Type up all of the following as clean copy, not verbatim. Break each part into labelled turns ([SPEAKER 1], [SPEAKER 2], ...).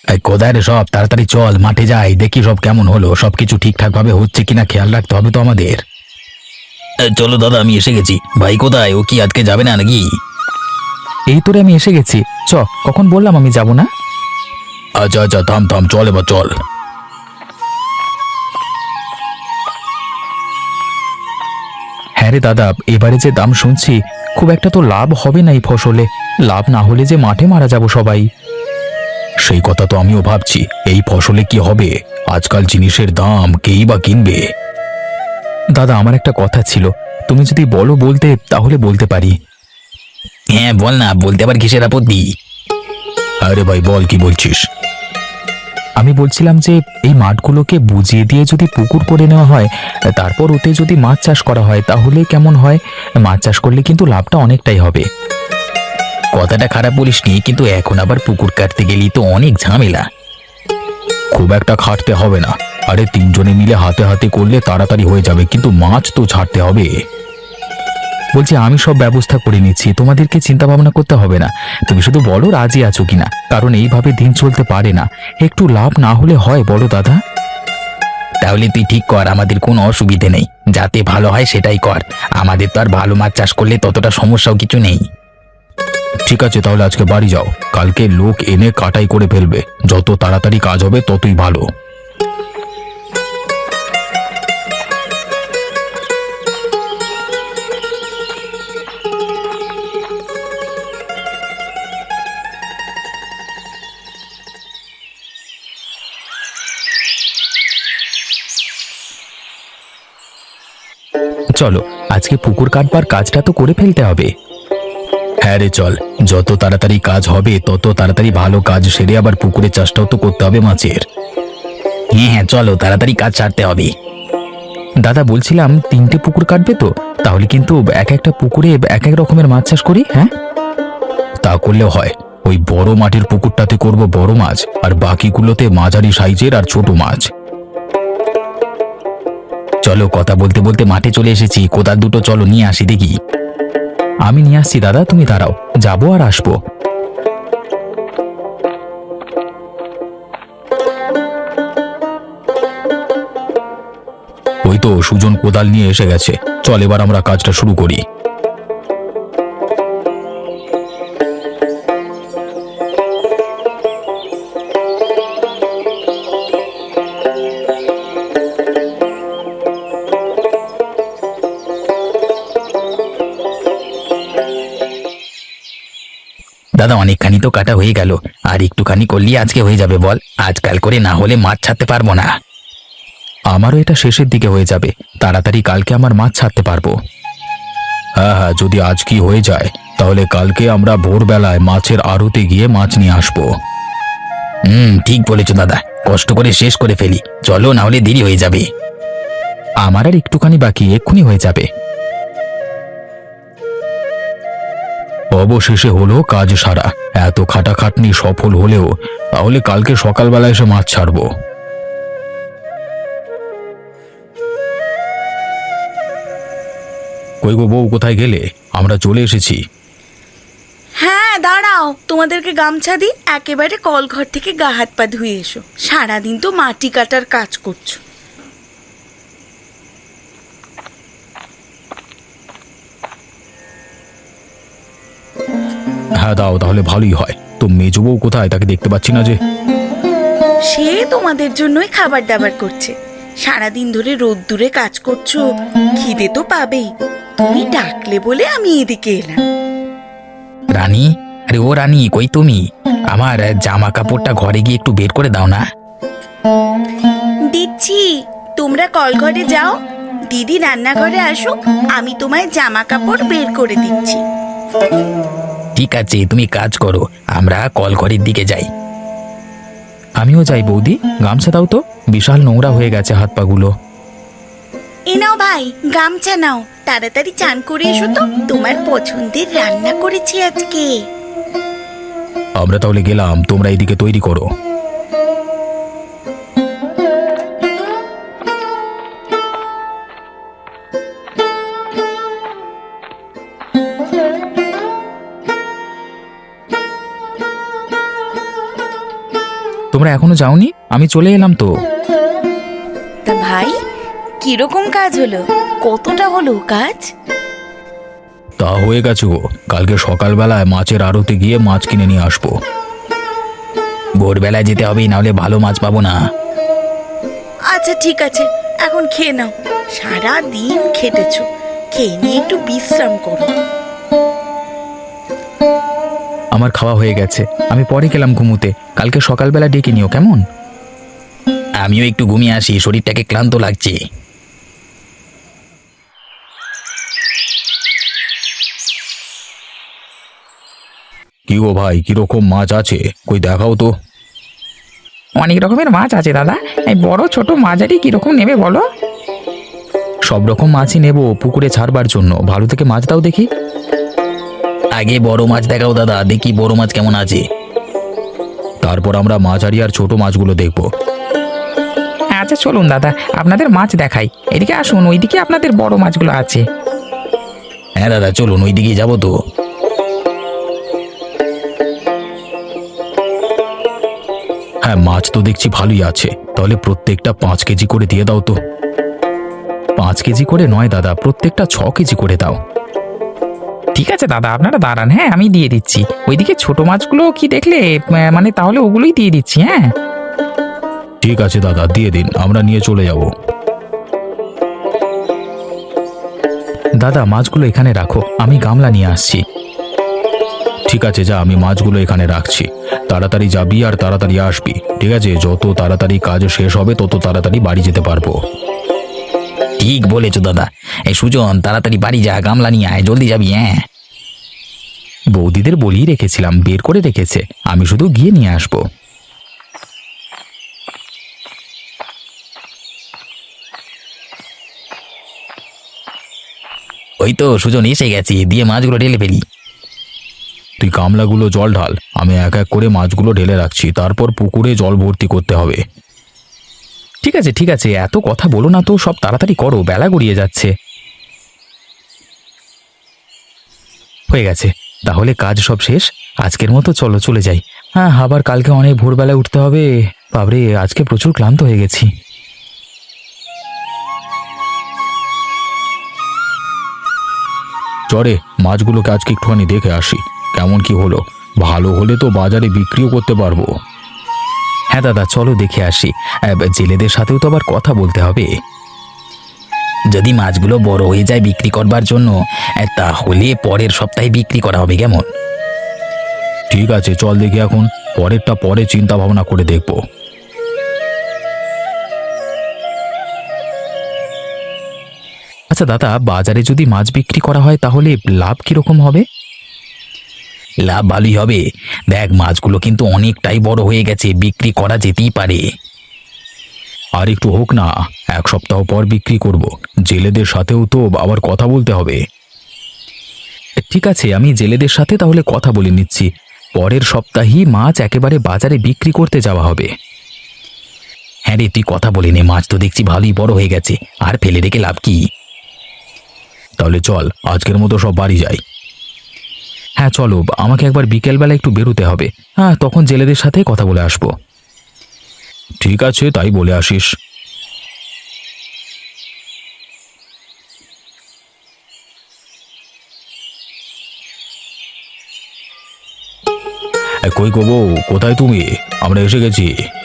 [SPEAKER 1] কোথায় রে সব? তাড়াতাড়ি চল, মাঠে যাই, দেখি সব কেমন হলো, সবকিছু ঠিকঠাক ভাবে হচ্ছে কিনা খেয়াল রাখতে হবে তো আমাদের। চলো দাদা, আমি এসে গেছি। ভাই কোথায়? ও কি আজকে যাবে না নাকি?
[SPEAKER 2] এই তোরে আমি এসে গেছি। কখন বললাম আমি যাব না?
[SPEAKER 1] আচ্ছা আচ্ছা, থাম থাম, চল এবার চল।
[SPEAKER 2] হ্যাঁ রে দাদা, এবারে যে দাম শুনছি খুব একটা তো লাভ হবে না এই ফসলে। লাভ না হলে যে মাঠে মারা যাব সবাই।
[SPEAKER 1] সেই কথা তো আমিও ভাবছি, এই ফসলে কি হবে? আজকাল জিনিসের দাম কেই বা কিনবে?
[SPEAKER 2] দাদা, আমার একটা কথা ছিল, তুমি যদি বলো বলতে তাহলে বলতে পারি।
[SPEAKER 1] হ্যাঁ বল না, বলতে আবার কিসের আপত্তি? আরে ভাই বল, কি বলছিস?
[SPEAKER 2] আমি বলছিলাম যে এই মাঠগুলোকে বুঝিয়ে দিয়ে যদি পুকুর করে নেওয়া হয়, তারপর ওতে যদি মাছ চাষ করা হয় তাহলে কেমন হয়? মাছ চাষ করলে কিন্তু লাভটা অনেকটাই হবে।
[SPEAKER 1] কথাটা খারাপ বলিসনি, কিন্তু এখন আবার পুকুর কাটতে গেলেই তো অনেক ঝামেলা। খুব একটা খাটতে হবে না। আরে তিনজনে মিলে হাতে হাতে করলে তাড়াতাড়ি হয়ে যাবে, কিন্তু মাছ তো ছাড়তে হবে।
[SPEAKER 2] বলছি আমি সব ব্যবস্থা করে নিচ্ছি, তোমাদেরকে চিন্তা ভাবনা করতে হবে না। তুমি শুধু বলো রাজি আছো কিনা, কারণ এইভাবে দিন চলতে পারে না। একটু লাভ না হলে হয় বড় দাদা?
[SPEAKER 1] তাহলে তুই ঠিক কর, আমাদের কোনো অসুবিধে নেই, যাতে ভালো হয় সেটাই কর। আমাদের তো আর ভালো মাছ চাষ করলে ততটা সমস্যাও কিছু নেই। ঠিক আছে, তাহলে আজকে বাড়ি যাও, কালকে লোক এনে কাটাই করে ফেলবে। যত তাড়াতাড়ি কাজ হবে ততই ভালো।
[SPEAKER 2] চলো, আজকে পুকুর কাটবার কাজটা তো করে ফেলতে হবে।
[SPEAKER 1] হ্যাঁ রে চল, যত তাড়াতাড়ি কাজ হবে তত তাড়াতাড়ি ভালো কাজ সেরে আবার পুকুরের চাষটাও তো করতে হবে মাছের। হ্যাঁ হ্যাঁ, চলো তাড়াতাড়ি কাজ ছাড়তে হবে।
[SPEAKER 2] দাদা বলছিলাম 3টে পুকুর কাটবে তো, তাহলে কিন্তু এক একটা পুকুরে এক এক রকমের মাছ চাষ করি। হ্যাঁ,
[SPEAKER 1] তা করলেও হয়। ওই বড় মাটির পুকুরটাতে করব বড় মাছ, আর বাকিগুলোতে মাঝারি সাইজের আর ছোট মাছ। চলো, কথা বলতে বলতে মাঠে চলে এসেছি, কোদাল দুটো চলো নিয়ে আসি দেখি।
[SPEAKER 2] আমি নিয়ে আসছি দাদা, তুমি দাঁড়াও, যাবো আর আসবো।
[SPEAKER 1] ওই তো সুজন কোদাল নিয়ে এসে গেছে, চল এবার আমরা কাজটা শুরু করি। দাদা অনেকখানি তো কাটা হয়ে গেল, আর একটুখানি করলেই আজকে হয়ে যাবে বল। আজকাল করে না হলে মাছ ছাড়তে পারবো না।
[SPEAKER 2] আমারও এটা শেষের দিকে হয়ে যাবে, তাড়াতাড়ি কালকে আমার মাছ ছাড়তে পারবো।
[SPEAKER 1] হ্যাঁ হ্যাঁ, যদি আজ কি হয়ে যায় তাহলে কালকে আমরা ভোরবেলায় মাছের আড়তে গিয়ে মাছ নিয়ে আসবো। ঠিক বলেছো দাদা, কষ্ট করে শেষ করে ফেলি, চলো না হলে দেরি হয়ে যাবে।
[SPEAKER 2] আমার আর একটুখানি বাকি, এক্ষুনি হয়ে যাবে।
[SPEAKER 1] অবশেষে হলো কাজ সারা। এত খাটাখাটনি সফল হলেও তাহলে কালকে সকালবেলা এসে মাছ ছাড়বো। কই গো বউ, কোথায় গেলে? আমরা চলে এসেছি।
[SPEAKER 3] হ্যাঁ দাঁড়াও, তোমাদেরকে গামছা দিই, একেবারে কলঘর থেকে গা হাত পা ধুয়ে এসো। সারাদিন তো মাটি কাটার কাজ করছো।
[SPEAKER 1] হ্যাঁ দাও, তাহলে ভালোই হয়। তো মেজো বউ কোথায়? তাকে দেখতে পাচ্ছি না যে।
[SPEAKER 3] সে তোমাদের জন্যই খাবার দাবার করছে। সারাদিন ধরে রোদ্দুরে কাজ করছো, খিদে তো পাবেই। তুমি ডাকলে বলে আমি এদিকে এলাম।
[SPEAKER 1] রানী, আরে ও রানী, কই তুমি? আমার জামা কাপড়টা ঘরে গিয়ে একটু বের করে দাও না।
[SPEAKER 3] দিচ্ছি, তোমরা কলঘরে যাও, দিদি রান্নাঘরে আসুক, আমি তোমায় জামা কাপড় বের করে দিচ্ছি।
[SPEAKER 1] ঠিক আছে, তুমি কাজ করো, আমরা কলঘরের দিকে যাই।
[SPEAKER 2] আমিও যাই বৌদি, গামছা দাও তো, বিশাল নোংরা হয়ে গেছে হাত পাগুলো।
[SPEAKER 3] এ নাও ভাই, গামছা নাও, তাড়াতাড়ি চান করে এসো তো, তোমার পছন্দের রান্না করেছি আজকে।
[SPEAKER 1] আমরা তাহলে গেলাম, তোমরা এদিকে তৈরি করো।
[SPEAKER 2] তোমরা এখনো যাওনি? আমি চলে এলাম তো।
[SPEAKER 3] তা ভাই, কিরকম কাজ হলো? কতটা হলো কাজ?
[SPEAKER 2] তা হয়ে গেছে গো, কালকে সকালবেলায় মাছের আড়তে গিয়ে মাছ কিনে নিয়ে আসবো।
[SPEAKER 1] ভোরবেলায় যেতে হবে, নাহলে ভালো মাছ পাবো না।
[SPEAKER 3] আচ্ছা ঠিক আছে, এখন খেয়ে নাও। সারা দিন খেটেছো, খেয়ে নিয়ে একটু বিশ্রাম করো।
[SPEAKER 2] আমার খাওয়া হয়ে গেছে, আমি পরে গেলাম ঘুমুতে। কালকে সকালবেলা ডেকে নিও কেমন?
[SPEAKER 1] আমিও একটু ঘুমিয়ে আসি, শরীরটাকে ক্লান্ত লাগছে।
[SPEAKER 2] কি গো ভাই, কিরকম মাছ আছে? কই দেখাও তো।
[SPEAKER 4] অনেক রকমের মাছ আছে দাদা। এই বড় ছোট মাঝারি কিরকম নেবে বলো?
[SPEAKER 2] সব রকম মাছই নেব পুকুরে ছাড়বার জন্য। ভালো থেকে মাছ দাও দেখি।
[SPEAKER 1] আগে বড় মাছ দেখাও দাদা, দেখি বড় মাছ কেমন আছে।
[SPEAKER 2] তারপর আমরা মাঝারি আর ছোট মাছগুলো দেখব।
[SPEAKER 4] আচ্ছা চলুন দাদা, আপনাদের মাছ দেখাই। এদিকে আসুন, ওইদিকে আপনাদের বড় মাছগুলো আছে।
[SPEAKER 1] হ্যাঁ দাদা, চলুন ওই দিকেই যাবো তো।
[SPEAKER 2] হ্যাঁ, মাছ তো দেখছি ভালোই আছে। তাহলে প্রত্যেকটা 5 কেজি করে দিয়ে দাও তো। 5 কেজি করে নয় দাদা, প্রত্যেকটা 6 কেজি করে দাও।
[SPEAKER 4] ঠিক আছে দাদা, আপনারা দাঁড়ান, হ্যাঁ আমি দিয়ে দিচ্ছি। ওইদিকে ছোট মাছগুলো কি দেখলে? মানে তাহলে ওগুলোই দিয়ে দিচ্ছি। হ্যাঁ
[SPEAKER 2] ঠিক আছে দাদা, দিয়ে দিন, আমরা নিয়ে চলে যাব। দাদা, মাছগুলো এখানে রাখো, আমি গামলা নিয়ে আসছি। ঠিক আছে যা, আমি মাছগুলো এখানে রাখছি। তাড়াতাড়ি যাবি আর তাড়াতাড়ি আসবি, ঠিক আছে? যত তাড়াতাড়ি কাজ শেষ হবে তত তাড়াতাড়ি বাড়ি যেতে পারবো।
[SPEAKER 1] ঠিক বলেছো দাদা। এই সুজন, তাড়াতাড়ি বাড়ি যা, গামলা নিয়ে আয়, জলদি যাবি। হ্যাঁ
[SPEAKER 2] বৌদিদের বলেই রেখেছিলাম, বের করে রেখেছে, আমি শুধু গিয়ে নিয়ে আসবো।
[SPEAKER 1] ওই তো সুজন এসে গেছি, দিয়ে মাছগুলো ঢেলে ফেলি।
[SPEAKER 2] তুই গামলাগুলো জল ঢাল, আমি এক এক করে মাছগুলো ঢেলে রাখছি। তারপর পুকুরে জল ভর্তি করতে হবে। ঠিক আছে ঠিক আছে, এত কথা বলো না তো, সব তাড়াতাড়ি করো, বেলা গড়িয়ে যাচ্ছে। হয়ে গেছে, তাহলে কাজ সব শেষ। আজকের মতো চলো চলে যাই। হ্যাঁ, আবার কালকে অনেক ভোরবেলায় উঠতে হবে। বাবরে, আজকে প্রচুর ক্লান্ত হয়ে গেছি। চরে মাছগুলোকে আজকে একটুখানি দেখে আসি, কেমন কি হলো। ভালো হলে তো বাজারে বিক্রিও করতে পারবো। হ্যাঁ দাদা, চলো দেখে আসি। জেলেদের সাথেও তো আবার কথা বলতে হবে।
[SPEAKER 1] যদি মাছগুলো বড় হয়ে যায় বিক্রি করবার জন্য, তাহলে পরের সপ্তাহে বিক্রি করা হবে, কেমন?
[SPEAKER 2] ঠিক আছে, চল দেখি এখন। পরেরটা পরে চিন্তা ভাবনা করে দেখব। আচ্ছা দাদা, বাজারে যদি মাছ বিক্রি করা হয় তাহলে লাভ কিরকম হবে?
[SPEAKER 1] লাভ ভালোই হবে। দেখ, মাছগুলো কিন্তু অনেকটাই বড় হয়ে গেছে, বিক্রি করা যেতেই পারে।
[SPEAKER 2] আর একটু হোক না, 1 সপ্তাহ পর বিক্রি করব। জেলেদের সাথেও তো আবার কথা বলতে হবে। ঠিক আছে, আমি জেলেদের সাথে তাহলে কথা বলে নিচ্ছি। পরের সপ্তাহেই মাছ একেবারে বাজারে বিক্রি করতে যাওয়া হবে।
[SPEAKER 1] হ্যাঁ রে, তুই কথা বলে নে, মাছ তো দেখছি ভালোই বড় হয়ে গেছে, আর ফেলে রেখে লাভ কি?
[SPEAKER 2] তাহলে চল, আজকের মতো সব বাড়ি যাই। হ্যাঁ চলো, আমাকে একবার বিকেলবেলা একটু বেরোতে হবে। হ্যাঁ, তখন জেলেদের সাথে কথা বলে আসবো। ঠিক আছে, তাই বলে আসিস। কই গো বউ, কোথায় তুমি? আমরা এসে গেছি।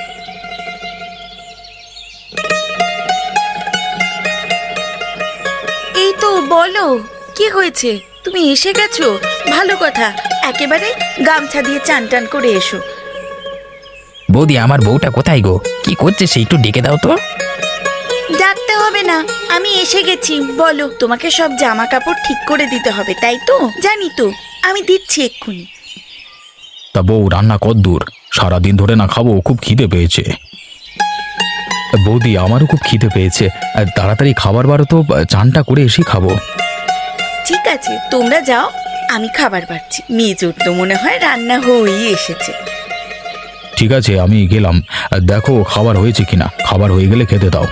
[SPEAKER 3] এই তো, বলো কি হয়েছে? তুমি এসে গেছো, ভালো কথা। একেবারে গামছা দিয়ে চান টান করে এসো।
[SPEAKER 1] বৌদি, আমার বউটা কোথায় গো? কি করছে সে? একটু ডেকে দাও তো।
[SPEAKER 3] ডাকতে হবে না, আমি এসে গেছি। বলো, তোমাকে সব জামা কাপড় ঠিক করে দিতে হবে, তাই তো? জানি তো, আমি দিচ্ছি এক্ষুনি।
[SPEAKER 2] তা বউ, রান্না কদ্দূর? সারাদিন ধরে না খাবো, খুব খিদে পেয়েছে। বৌদি, আমারও খুব খিদে পেয়েছে। তাড়াতাড়ি খাবার বারো তো, চানটা করে এসে খাবো।
[SPEAKER 3] ঠিক আছে, তোমরা যাও, আমি খাবার বাড়ছি। মেজোর তো মনে হয় রান্না হয়েই এসেছে।
[SPEAKER 2] ঠিক আছে, আমি গেলাম। দেখো খাবার হয়েছে কিনা, খাবার হয়ে গেলে খেতে দাও।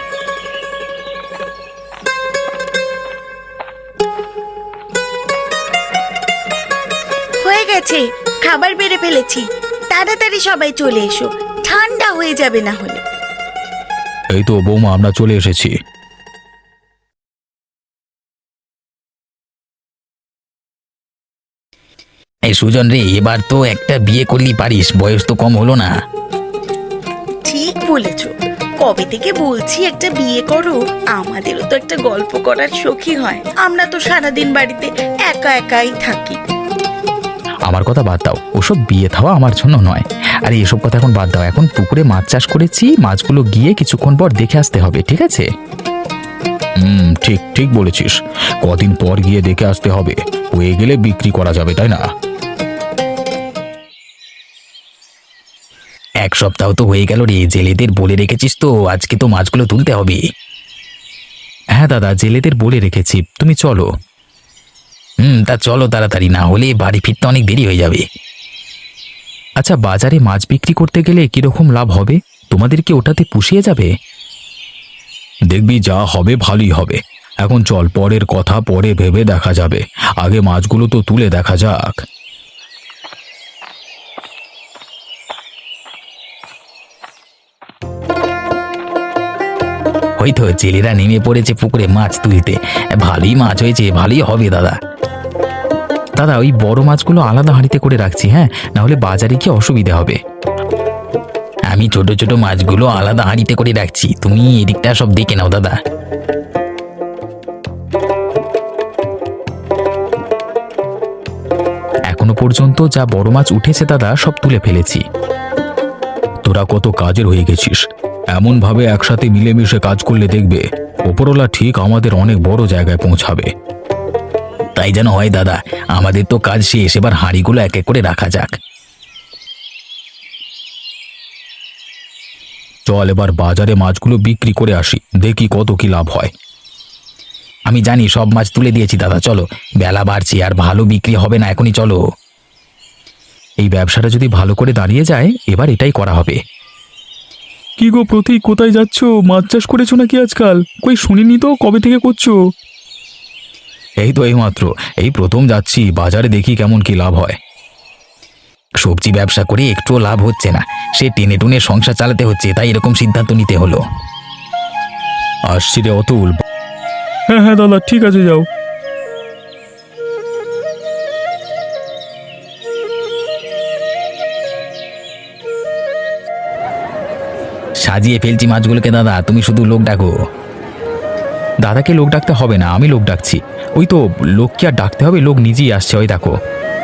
[SPEAKER 3] হয়ে গেছে, খাবার বেড়ে ফেলেছি। তাড়াতাড়ি সবাই চলে এসো, ঠান্ডা হয়ে যাবে না হলে।
[SPEAKER 2] এই তো বৌমা, আমরা চলে এসেছি।
[SPEAKER 1] এই সুজন রে, এবার তো একটা বিয়ে করলি পারিস, বয়স তো কম হলো না।
[SPEAKER 3] ঠিক বলেছো, কবে থেকে বলছি একটা বিয়ে করো। আমাদেরও তো একটা গল্প করার শখই হয়। আমরা তো সারাদিন বাড়িতে একা একাই থাকি।
[SPEAKER 2] আমার কথা বাদ দাও, ওসব বিয়ে থাওয়া আমার জন্য নয়। আরে এসব কথা এখন বাদ দাও, এখন পুকুরে মাছ চাষ করেছি, মাছগুলো গিয়ে কিছুক্ষণ পর দেখে আসতে হবে, ঠিক আছে? ঠিক ঠিক বলেছিস, কদিন পর গিয়ে দেখে আসতে হবে, হয়ে গেলে বিক্রি করা যাবে, তাই না?
[SPEAKER 1] এক সপ্তাহ তো হয়ে গেল রে, জেলেদের বলে রেখেছিস তো, আজকে তো মাছগুলো তুলতে হবে।
[SPEAKER 2] হ্যাঁ দাদা, জেলেদের বলে রেখেছি, তুমি চলো।
[SPEAKER 1] তা চলো তাড়াতাড়ি, না হলে বাড়ি ফিরতে অনেক দেরি হয়ে যাবে।
[SPEAKER 2] আচ্ছা, বাজারে মাছ বিক্রি করতে গেলে কিরকম লাভ হবে? তোমাদের কি ওটাতে পুষিয়ে যাবে? দেখবি যা হবে ভালোই হবে। এখন চল, পরের কথা পরে ভেবে দেখা যাবে, আগে মাছগুলো তো তুলে দেখা যাক।
[SPEAKER 1] হয়তো জেলেরা নেমে পড়েছে পুকুরে মাছ তুলতে। ভালোই মাছ হয়েছে, ভালোই হবে দাদা।
[SPEAKER 2] দাদা, ওই বড় মাছগুলো আলাদা হাঁড়িতে করে রাখছি, হ্যাঁ, না হলে বাজারে কি অসুবিধা হবে।
[SPEAKER 1] আমি ছোট ছোট মাছগুলো আলাদা হাঁড়িতে করে রাখছি, তুমি এদিকটা সব দেখে নাও দাদা।
[SPEAKER 2] এখনো পর্যন্ত যা বড় মাছ উঠেছে দাদা, সব তুলে ফেলেছি। তোরা কত কাজের হয়ে গেছিস, এমন ভাবে একসাথে মিলেমিশে কাজ করলে দেখবে ওপরওয়ালা ঠিক আমাদের অনেক বড় জায়গায় পৌঁছাবে।
[SPEAKER 1] তাই যেন হয় দাদা, আমাদের তো কাজ শেষ, এবার হাঁড়িগুলো এক এক করে রাখা যাক।
[SPEAKER 2] চল এবার বাজারে মাছগুলো বিক্রি করে আসি, দেখি কত কি লাভ হয়।
[SPEAKER 1] আমি জানি, সব মাছ তুলে দিয়েছি দাদা, চলো, বেলা বাড়ছে আর ভালো বিক্রি হবে না, এখনই চলো।
[SPEAKER 2] এই ব্যবসাটা যদি ভালো করে দাঁড়িয়ে যায়, এবার এটাই করা হবে। কি গো প্রতীক, কোথায় যাচ্ছ? মাছ চাষ করেছো নাকি আজকাল? কই শুনিনি তো, কবে থেকে করছো? এই তো এইমাত্র, এই প্রথম যাচ্ছি, বাজারে দেখি কেমন কি লাভ হয়।
[SPEAKER 1] সবজি ব্যবসা করে একটুও লাভ হচ্ছে না, সে টেনে টুনে সংসার চালাতে হচ্ছে, তাই এরকম সিদ্ধান্ত নিতে হলো।
[SPEAKER 2] আসছি রে অতুল। হ্যাঁ হ্যাঁ দাদা, ঠিক আছে, যাও।
[SPEAKER 1] সাজিয়ে ফেলছি মাছগুলোকে দাদা, তুমি শুধু লোক ডাকো।
[SPEAKER 2] দাদাকে লোক ডাকতে হবে না, আমি লোক ডাকছি। ওই তো, লোক কি আর ডাকতে হবে, লোক নিজেই আসছে, ওই দেখো।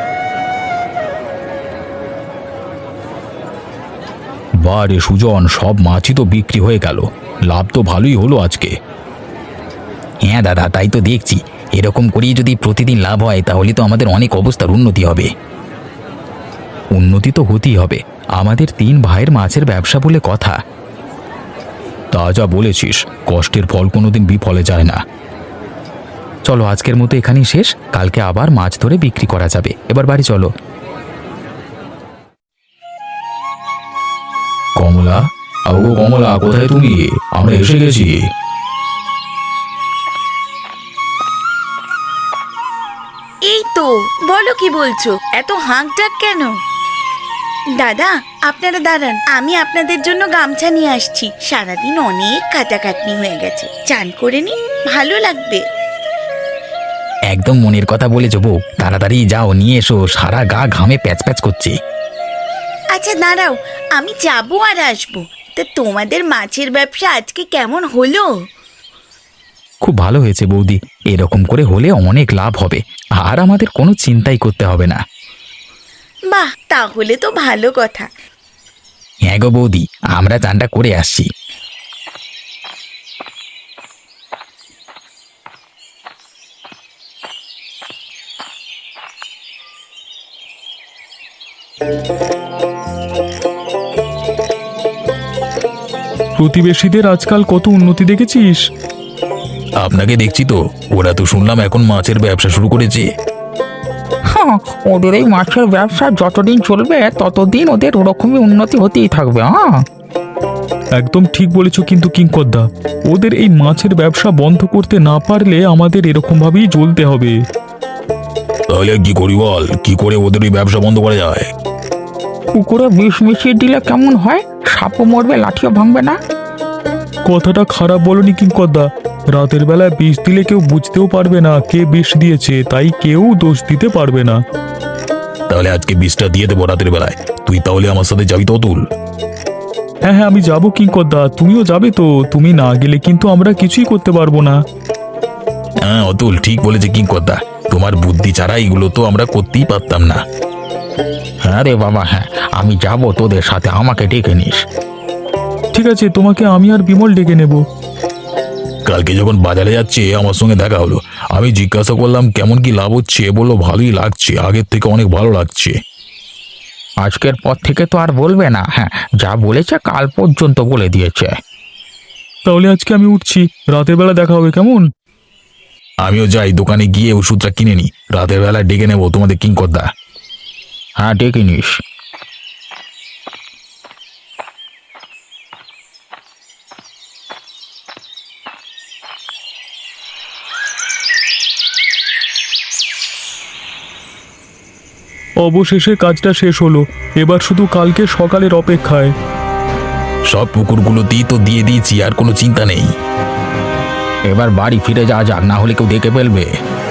[SPEAKER 2] বারে সুজন, সব মাছই তো বিক্রি হয়ে গেল, লাভ তো ভালোই হলো আজকে।
[SPEAKER 1] হ্যাঁ দাদা, তাই তো দেখছি, এরকম করেই যদি প্রতিদিন লাভ হয় তাহলে তো আমাদের অনেক অবস্থার উন্নতি হবে।
[SPEAKER 2] উন্নতি তো হতেই হবে, আমাদের 3 ভাইয়ের মাছের ব্যবসা বলে কথা। তা যা বলেছিস, কষ্টের ফল কোনোদিন বিফলে যায় না। চলো, আজকের মতো এখানেই শেষ, কালকে আবার মাছ ধরে বিক্রি করা যাবে। এবার বাড়ি চলো। কমলা, আগো কমলা, কোথায় তুমি? আমরা এসে গেছি।
[SPEAKER 3] এই তো, বলো কি বলছো, এত হাঁক ডাক কেন? দাদা, আপনারা দাঁড়ান, আমি আপনাদের জন্য গামছা নিয়ে আসছি। সারাদিন অনেক কাটাকাটনি হয়ে গেছে, চান করে নি, ভালো লাগবে।
[SPEAKER 1] একদম মনের কথা বলেছো বউ, তাড়াতাড়ি যাও, নিয়ে এসো, সারা গা ঘামে প্যাচ প্যাচ করছে।
[SPEAKER 3] আচ্ছা দাঁড়াও, আমি যাবো আর আসবো। তা তোমাদের মাছের ব্যবসা আজকে কেমন হলো?
[SPEAKER 2] খুব ভালো হয়েছে বৌদি, এরকম করে হলে অনেক লাভ হবে, আর আমাদের কোনো চিন্তাই করতে হবে না।
[SPEAKER 3] বাহ, তাহলে তো ভালো কথা।
[SPEAKER 1] হ্যাঁ গো বৌদি, আমরা চানটা করে আসছি।
[SPEAKER 2] প্রতিবেশীদের আজকাল কত উন্নতি দেখেছিস?
[SPEAKER 1] আপনাকে দেখছি তো, ওরা তো শুনলাম এখন মাছের ব্যবসা শুরু করেছে।
[SPEAKER 4] হ্যাঁ, ওদের এই মাছের ব্যবসা যতদিন চলবে ততদিন ওদের ওরকমই উন্নতি হতেই থাকবে। হ্যাঁ,
[SPEAKER 2] একদম ঠিক বলেছ, কিন্তু কিংকর্দা, ওদের এই মাছের ব্যবসা বন্ধ করতে না পারলে আমাদের এরকম ভাবেই চলতে হবে।
[SPEAKER 1] তাহলে কি করি বল, কি করে ওদের ওই ব্যবসা বন্ধ করা যায়?
[SPEAKER 4] পুকুরে বিষ মিশিয়ে দিলে কেমন হয়? সাপও মরবে, লাঠিও ভাঙবে না।
[SPEAKER 2] কথাটা খারাপ বলনি কিঙ্করদা। রাতের বেলায় বিষ দিলে কেউ বুঝতেও পারবে না কে বিষ দিয়েছে, তাই কেউ দোষ দিতে পারবে না।
[SPEAKER 1] তাহলে আজকে বিষটা দিয়ে দেবো রাতের বেলায়। তুই তাহলে আমার সাথে যাবি তো অতুল?
[SPEAKER 2] হ্যাঁ হ্যাঁ, আমি যাবো কিঙ্করদা, তুমিও যাবে তো? তুমি না গেলে কিন্তু আমরা কিছুই করতে পারবো না।
[SPEAKER 1] হ্যাঁ অতুল ঠিক বলেছে কিঙ্করদা, তোমার বুদ্ধি ছাড়া এগুলো তো আমরা করতেই পারতাম না।
[SPEAKER 4] হ্যাঁ রে বাবা, হ্যাঁ আমি যাব তোদের সাথে, আমাকে ডেকে নিস।
[SPEAKER 2] ঠিক আছে, তোমাকে আমি আর বিমল ডেকে নেব।
[SPEAKER 1] কালকে যখন বাজারে যাচ্ছে আমার সঙ্গে দেখা হলো, আমি জিজ্ঞাসা করলাম কেমন কি লাভ হচ্ছে, বললো ভালোই লাগছে, আগের থেকে অনেক ভালো লাগছে।
[SPEAKER 4] আজকের পর থেকে তো আর বলবে না। হ্যাঁ, যা বলেছে কাল পর্যন্ত বলে দিয়েছে।
[SPEAKER 2] তাহলে আজকে আমি উঠছি, রাতের বেলা দেখা হবে, কেমন?
[SPEAKER 1] আমিও যাই, দোকানে গিয়ে ওষুধটা কিনে নি, রাতের বেলা ডেকে নেবো তোমাদের কিঙ্করদা।
[SPEAKER 4] হ্যাঁ ডেকে নিস।
[SPEAKER 2] অবশেষে কাজটা শেষ হলো, এবার শুধু কালকে সকালের অপেক্ষায়।
[SPEAKER 1] সব পুকুরগুলোতেই তো দিয়ে দিয়েছি, আর কোনো চিন্তা নেই।
[SPEAKER 4] এবার বাড়ি ফিরে যাওয়া যাক, না হলে কেউ দেখে ফেলবে।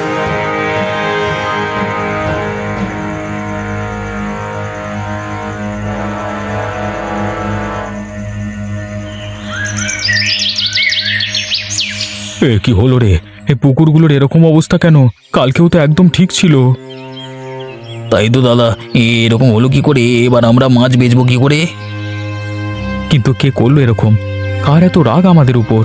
[SPEAKER 2] এ কি হলো রে? এই পুকুরগুলোর এরকম অবস্থা কেন? কালকেও তো একদম ঠিক ছিল।
[SPEAKER 1] তাই তো দাদা, এরকম হলো কি করে? এবার আমরা মাছ বেচবো কি করে?
[SPEAKER 2] কিন্তু কে করলো এরকম? কার এত রাগ আমাদের উপর?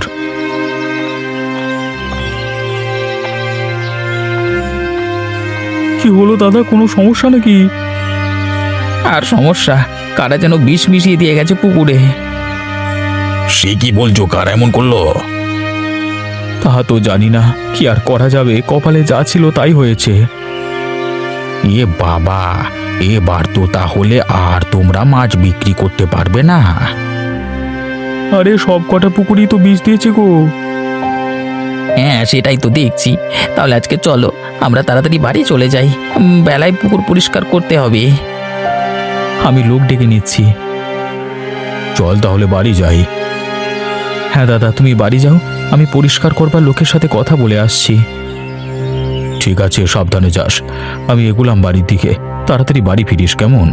[SPEAKER 2] কি হলো দাদা, কোনো সমস্যা নাকি?
[SPEAKER 4] আর সমস্যা, কারা যেন বিষ মিশিয়ে দিয়ে গেছে পুকুরে।
[SPEAKER 1] সে কি বলছো, কার এমন করলো?
[SPEAKER 2] তা তো জানি না, কি আর করা যাবে, কপালে যা ছিল তাই হয়েছে।
[SPEAKER 4] এ বাবা, এবার তো তাহলে আর তোমরা মাছ বিক্রি করতে পারবে না।
[SPEAKER 2] আরে সব কটা পুকুরই তো বিষ দিয়েছে গো।
[SPEAKER 4] হ্যাঁ সেটাই তো দেখছি। তাহলে আজকে চলো আমরা তাড়াতাড়ি বাড়ি চলে যাই, বেলায় পুকুর পরিষ্কার করতে হবে।
[SPEAKER 2] আমি লোক ডেকে নিচ্ছি। চল তাহলে বাড়ি যাই। হ্যাঁ দাদা, তুমি বাড়ি যাও, আমি পরিষ্কার করবার লোকের সাথে কথা বলে আসছি। ঠিক আছে, সাবধানে যাস। আমি এগুলাম বাড়ির দিকে, তাড়াতাড়ি বাড়ি ফিরিস, কেমন?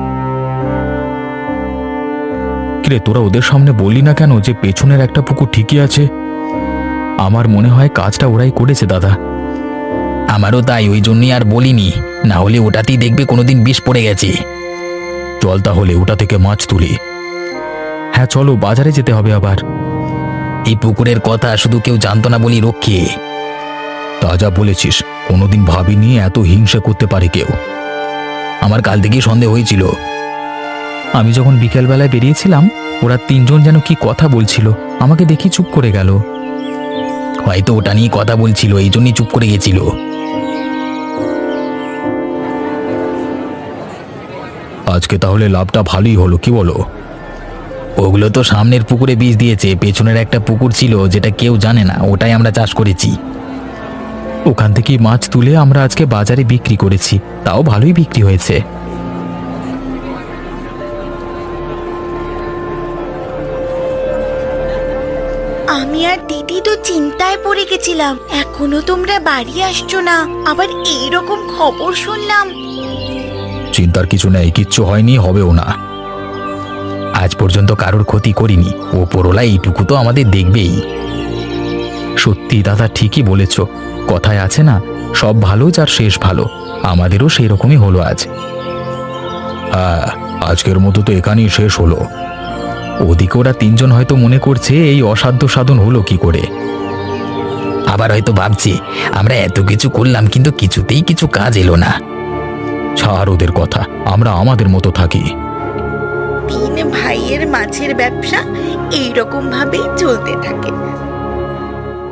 [SPEAKER 2] কিরে, তোরা ওদের সামনে বললি না কেন যে পেছনের একটা পুকুর ঠিকই আছে? আমার মনে হয় কাজটা ওরাই করেছে দাদা।
[SPEAKER 1] আমারও তাই, ওই জন্যই আর বলিনি, না হলে ওটাতেই দেখবে কোনোদিন বিষ পড়ে গেছে।
[SPEAKER 2] চল তাহলে ওটা থেকে মাছ তুলি। হ্যাঁ চলো, বাজারে যেতে হবে আবার।
[SPEAKER 1] এই পুকুরের কথা শুধু কেউ জানতো না বলি রক্ষে।
[SPEAKER 2] তা যা বলেছিস, কোনোদিন ভাবিনি এত হিংসা করতে পারে কেউ।
[SPEAKER 1] আমার কাল থেকেই সন্দেহ হয়েছিল।
[SPEAKER 2] আমি যখন বিকেলবেলায় বেরিয়েছিলাম, ওরা তিনজন যেন কি কথা বলছিল, আমাকে দেখি চুপ করে গেল।
[SPEAKER 1] হয়তো ওটা নিয়ে কথা বলছিল, এই জন্যই চুপ করে গেছিল।
[SPEAKER 2] আজকে তাহলে লাভটা ভালোই হলো, কি বলো?
[SPEAKER 1] ওগুলো তো সামনের পুকুরে বীজ দিয়েছে, পেছনের একটা পুকুর ছিল যেটা কেউ জানে না, ওটাই আমরা চাষ করেছি।
[SPEAKER 2] ওখান থেকেই মাছ তুলে আমরা আজকে বাজারে বিক্রি করেছি, তাও ভালোই বিক্রি হয়েছে।
[SPEAKER 3] আমি আর দিদি তো চিন্তায় পড়ে গেছিলাম, এখনো তোমরা বাড়ি আসছো না, আবার এইরকম খবর শুনলাম।
[SPEAKER 2] চিন্তার কিছু নেই, কিচ্ছু হয়নি, হবেও না।
[SPEAKER 1] আজ পর্যন্ত কারোর ক্ষতি করিনি, ওপরওয়ালা এইটুকু তো আমাদের দেখবেই।
[SPEAKER 2] সত্যি দাদা, ঠিকই বলেছ। কথায় আছে না, সব ভালো যার শেষ ভালো। আমাদেরও সেই রকমই হলো আজ। হ্যাঁ, আজকের মতো তো এখানেই শেষ হলো। ওদিকে ওরা তিনজন হয়তো মনে করছে এই অসাধ্য সাধন হলো কি করে।
[SPEAKER 1] আবার হয়তো ভাবছে আমরা এত কিছু করলাম কিন্তু কিছুতেই কিছু কাজ এলো না।
[SPEAKER 2] ছাড় ওদের কথা, আমরা আমাদের মতো থাকি।
[SPEAKER 3] তিন ভাইয়ের মাছের ব্যবসা এইরকম ভাবেই চলতে থাকে।